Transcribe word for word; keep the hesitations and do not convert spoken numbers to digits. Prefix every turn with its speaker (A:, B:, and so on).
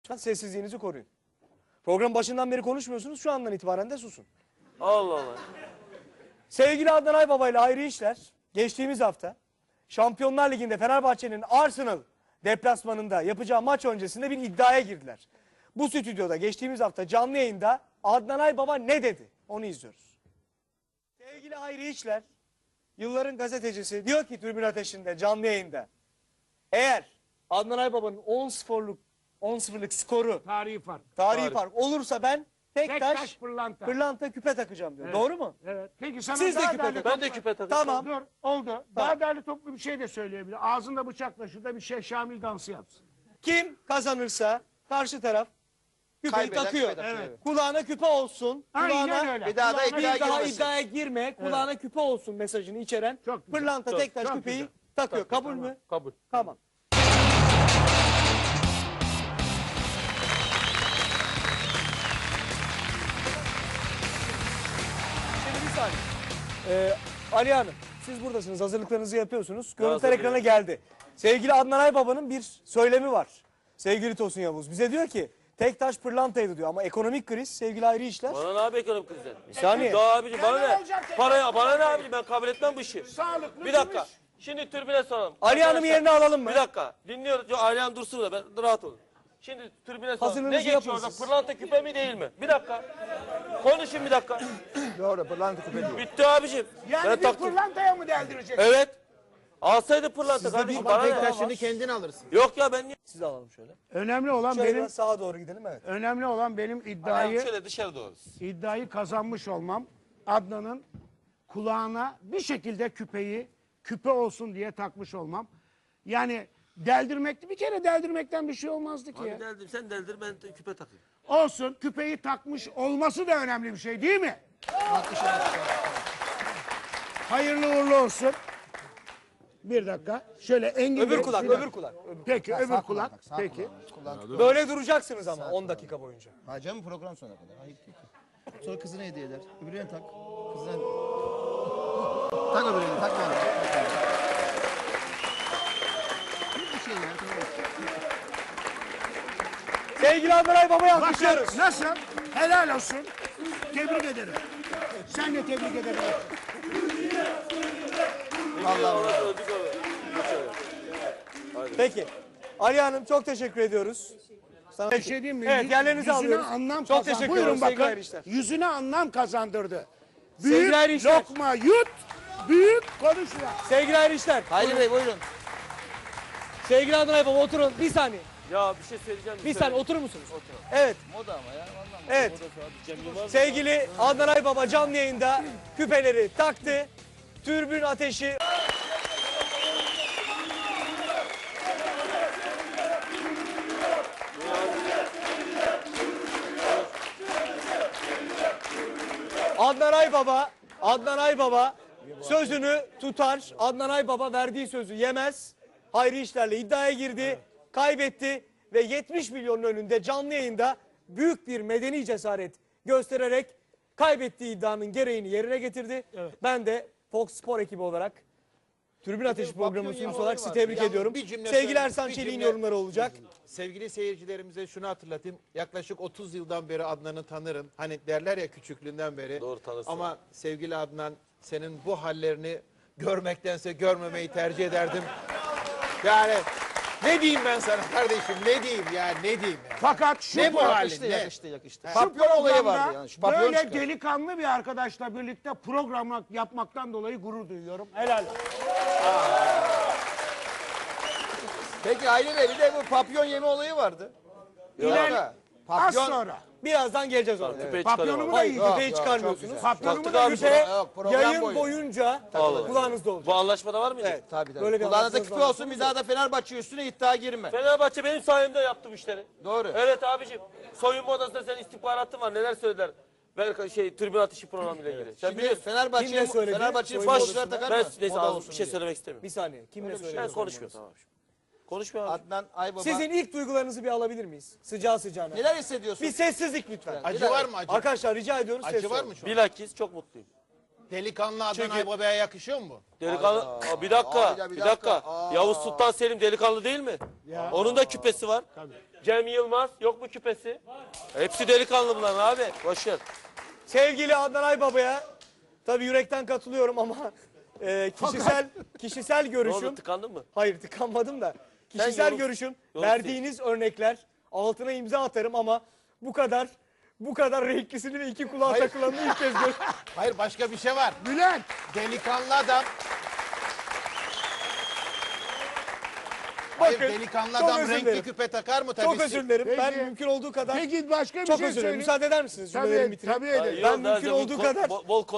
A: Sessizliğinizi koruyun. Program başından beri konuşmuyorsunuz. Şu andan itibaren de susun.
B: Allah Allah.
A: Sevgili Adnan Aybaba ile Hayri İşler geçtiğimiz hafta Şampiyonlar Ligi'nde Fenerbahçe'nin Arsenal deplasmanında yapacağı maç öncesinde bir iddiaya girdiler. Bu stüdyoda geçtiğimiz hafta canlı yayında Adnan Aybaba ne dedi? Onu izliyoruz. Sevgili Hayri İşler, yılların gazetecisi, diyor ki Tribün Ateşi'nde canlı yayında, eğer Adnan Aybaba'nın on sıfırlık on sıfırlık skoru
C: Tarihi fark.
A: tarihi
B: Tarih.
A: fark olursa ben tek,
C: Tek
A: taş,
C: taş pırlanta.
A: pırlanta küpe takacağım diyor.
C: Evet.
A: Doğru mu?
C: Evet. Peki sana
A: Siz de
C: daha
A: küpe
C: değerli
A: takın.
B: Ben de
C: toplu-
B: küpe takacağım.
A: Tamam.
C: Dur oldu. Daha değerli toplu bir şey de söyleyebilir. Ağzında bıçakla şurada bir şey Şamil dansı yapsın.
A: Kim kazanırsa karşı taraf küpeyi
D: Kaybeden
A: takıyor.
D: küpe takıyor.
C: Evet.
A: Kulağına küpe olsun.
C: Aynen
A: Kulağına
C: öyle.
D: Bir daha da
C: Kulağına-
D: iddia
A: bir daha
D: girmesin.
A: iddiaya girme. Kulağına küpe olsun mesajını içeren
C: Çok güzel.
A: pırlanta
B: Çok-
A: tek taş
C: çok
A: küpeyi
C: güzel.
A: takıyor. Kabul
C: Tamam.
A: mü?
B: Kabul.
A: Tamam. Şimdi bir saniye. Ee, Ali Hanım, siz buradasınız. Hazırlıklarınızı yapıyorsunuz. Görüntüler
B: hazırlıyorum.
A: ekrana geldi. Sevgili Adnan Aybaba'nın bir söylemi var. Sevgili Tosun Yavuz. Bize diyor ki tek taş pırlantaydı diyor. Ama ekonomik kriz, sevgili Hayri İşler.
B: Bana ne abi ekonomik krizden?
A: Bir saniye.
B: Ya abicim bana
C: Ya ne
B: ne?
C: olacak tek
B: Paraya, bana ne abicim, ben kabul etmem bu işi.
C: Sağlıklı
B: Bir dakika.
C: gümüş.
B: Şimdi tribüne soralım.
A: Ali Hanım'ı
B: Arkadaşlar,
A: yerine alalım mı?
B: Bir dakika. Dinliyoruz. Yok, Ali Hanım dursun da ben rahat olun. Şimdi tribüne soralım.
A: Hazırlığınızı
B: Ne geçiyor
A: yapın
B: orada?
A: siz.
B: Pırlanta küpe mi değil mi? Bir dakika. Konuşun bir dakika.
D: Doğru, pırlanta küpe diyor.
B: Bitti abicim.
C: Yani
B: ben
C: bir
B: taktım.
C: pırlantaya mı deldireceksin?
B: Evet. Alsaydı pırlanta kardeşim bana
D: Tek
B: ne?
D: taşını kendin alırsın.
B: Yok ya ben niye?
A: Siz de alalım şöyle.
C: Önemli olan
A: Şöyle
C: benim
A: biraz sağa doğru gidelim, evet.
C: önemli olan benim
B: Ayağım
C: iddiayı
B: şöyle dışarı doğru.
C: iddiayı kazanmış olmam. Adnan'ın kulağına bir şekilde küpeyi küpe olsun diye takmış olmam. Yani deldirmekti. Bir kere deldirmekten bir şey olmazdı ki ya.
B: Abi deldim sen deldir ben de küpe takayım.
C: Olsun, küpeyi takmış olması da önemli bir şey değil mi? Hayırlı uğurlu olsun. Bir dakika. Şöyle Engin
A: Öbür
C: Bey-
A: kulak,
C: bir
A: öbür
C: dakika.
A: kulak. öbür-
C: Peki, öbür
D: Sağ
C: kulak.
D: bak, sağ
C: Peki.
D: kulağın. Kulağın-
A: Böyle duracaksınız ama on dakika boyunca.
D: Ha canım, program sonuna kadar. Ayıp değil ki. Sonra kızına hediye eder. Öbürüne tak. Kızına... tak öbürüne, tak bana. Bir şey ya, tamam.
A: Sevgili Adnan Aybaba'yı
C: Bak
A: alkışlıyoruz.
C: nasıl? Helal olsun. Tebrik ederim. Sen de tebrik ederim.
D: Vallahi
B: Öldük abi.
A: Peki. Ali Hanım çok teşekkür ediyoruz. Sana
C: Bir şey diyeyim mi?
A: Evet,
C: Yüz-
A: yerlerinizi
C: yüzüne
A: alıyoruz.
C: anlam
A: Çok
C: kazan-
A: teşekkür
C: Buyurun
A: ediyoruz sevgili
C: bakın.
A: Hayri İşler.
C: Yüzüne anlam kazandırdı.
A: Sevgili
C: Büyük
A: Hayri İşler.
C: lokma yut, büyük konuşma.
A: Sevgili Hayri İşler.
D: Hayri Bey buyurun.
A: Sevgili Adnan Aybaba oturun. Bir saniye.
B: Ya bir şey söyleyeceğim.
A: Bir saniye oturur musunuz? Evet.
D: Moda ama ya. Vallahi.
A: Evet.
B: Cem Yılmaz.
A: Sevgili Adnan Aybaba canlı yayında küpeleri taktı. Türbün ateşi. Adnan Aybaba, Adnan Aybaba sözünü tutar. Adnan Aybaba verdiği sözü yemez. Hayri İşler'le iddiaya girdi, kaybetti ve yetmiş milyonun önünde canlı yayında büyük bir medeni cesaret göstererek kaybettiği iddianın gereğini yerine getirdi. Ben de Fox Spor ekibi olarak Tribün Ateşi programının sunucusu olarak sizi tebrik
E: Yalnız
A: ediyorum.
E: bir cümle
A: Sevgili
E: söyle-
A: Ersan
E: bir
A: Çelik'in
E: cümle-
A: yorumları olacak.
E: Sevgili seyircilerimize şunu hatırlatayım. Yaklaşık otuz yıldan beri Adnan'ı tanırım. Hani derler ya küçüklüğünden beri.
B: Doğru, tanırsın.
E: Ama sevgili Adnan, senin bu hallerini görmektense görmemeyi tercih ederdim. Yani ne diyeyim ben sana kardeşim, ne diyeyim ya, ne diyeyim ya.
C: Fakat şu
E: Ne bu
C: program-
E: halin,
D: Yakıştı,
E: ne?
D: yakıştı, yakıştı.
C: şu
E: Papyon olayı
C: programda
E: vardı yani, şu papyon
C: böyle
E: çıkar.
C: delikanlı bir arkadaşla birlikte program yapmaktan dolayı gurur duyuyorum. Helal olsun.
E: Peki Hayri Bey, bir de bu papyon yeme olayı vardı.
C: İler-
E: Yok.
C: Az
E: Papyon,
C: sonra.
A: Birazdan geleceğiz oraya.
B: Küpeyi
C: Papyonumu
B: çıkarıyorum.
C: da
A: Hayır,
C: yiyeceğim.
A: küpeyi
E: Yok,
A: çıkarmıyorsunuz.
E: çok güzel.
C: Papyonumu
B: Taktık
C: da
B: abi
C: yiyeceğim.
A: Küpe
E: Yok, program
A: yayın
E: boyu.
A: boyunca
B: Allah.
A: kulağınızda olacak.
B: Bu anlaşmada var mıydı?
A: Evet.
E: Tabii tabii.
A: Böyle bir
E: Kulağına da
A: anlaşmanız
E: küpe
A: var.
E: olsun, bir daha da Fenerbahçe üstüne iddia girme.
B: Fenerbahçe benim sayemde yaptı bu işleri.
E: Doğru.
B: Evet abicim. Soyunma odasında senin istihbaratın var. Neler söylediler? Ben şey tribün atışı programıyla ilgili. Sen
E: Şimdi
B: biliyorsun.
E: Fenerbahçe'ye
A: Kimle söyledi?
E: Fenerbahçe'ye
A: Soyunma
E: başlar
A: odasında.
E: takar
B: Ben
E: mı?
B: neyse
E: Moda
B: ağzım
E: olsun
B: bir şey
E: diye.
B: söylemek istemiyorum.
A: Bir saniye. Kimle
B: Ben
A: söylüyorsunuz?
B: konuşmuyorum tamam. Konuşmuyor abi.
E: Adnan Aybaba.
A: Sizin ilk duygularınızı bir alabilir miyiz? Sıcağı sıcağına.
E: Neler hissediyorsun?
A: Bir sessizlik lütfen.
E: Acı var mı acı?
A: Arkadaşlar rica ediyoruz
E: Acı
A: ses
E: var
A: olun.
E: mı şu an?
B: Bilakis çok mutluyum.
E: Delikanlı Adnan
B: Çünkü-
E: Aybaba'ya yakışıyor mu bu?
B: Delikanlı. Aa, bir dakika.
F: Hayda, bir
B: bir dakika.
F: dakika. Aa.
B: Yavuz Sultan Selim delikanlı değil mi? Onun da küpesi var. Cem Yılmaz yok mu küpesi? Hepsi delikanlı bunların abi. Boş ver.
A: Sevgili Adnan Aybaba'ya tabii yürekten katılıyorum ama e, kişisel kişisel
B: Ne oldu,
A: görüşüm.
B: tıkandın mı?
A: Hayır tıkanmadım da. Kişisel
B: yorum-
A: görüşüm,
B: yorum
A: verdiğiniz örnekler altına imza atarım ama bu kadar bu kadar renklisini ve iki kulağa takılanını ilk kez gör.
E: Hayır, başka bir şey var.
C: Bülent.
E: Delikanlı adam. Hayır,
A: Bakın,
E: delikanlı
A: çok
E: adam
A: özür
E: renkli
A: dilerim.
E: küpe takar mı? Tabii
A: Çok
E: ki.
A: özür dilerim. Ben
C: Peki.
A: mümkün olduğu kadar
C: Peki başka bir
A: çok
C: şey
A: özür dilerim.
C: söyleyeyim.
A: Müsaade eder misiniz? Cümlelerimi
C: Tabii,
A: bitireyim.
C: tabii ederim.
B: Yok,
A: Ben
B: daha
A: mümkün
B: önce
A: olduğu
B: bol-
A: kadar
B: bol- bol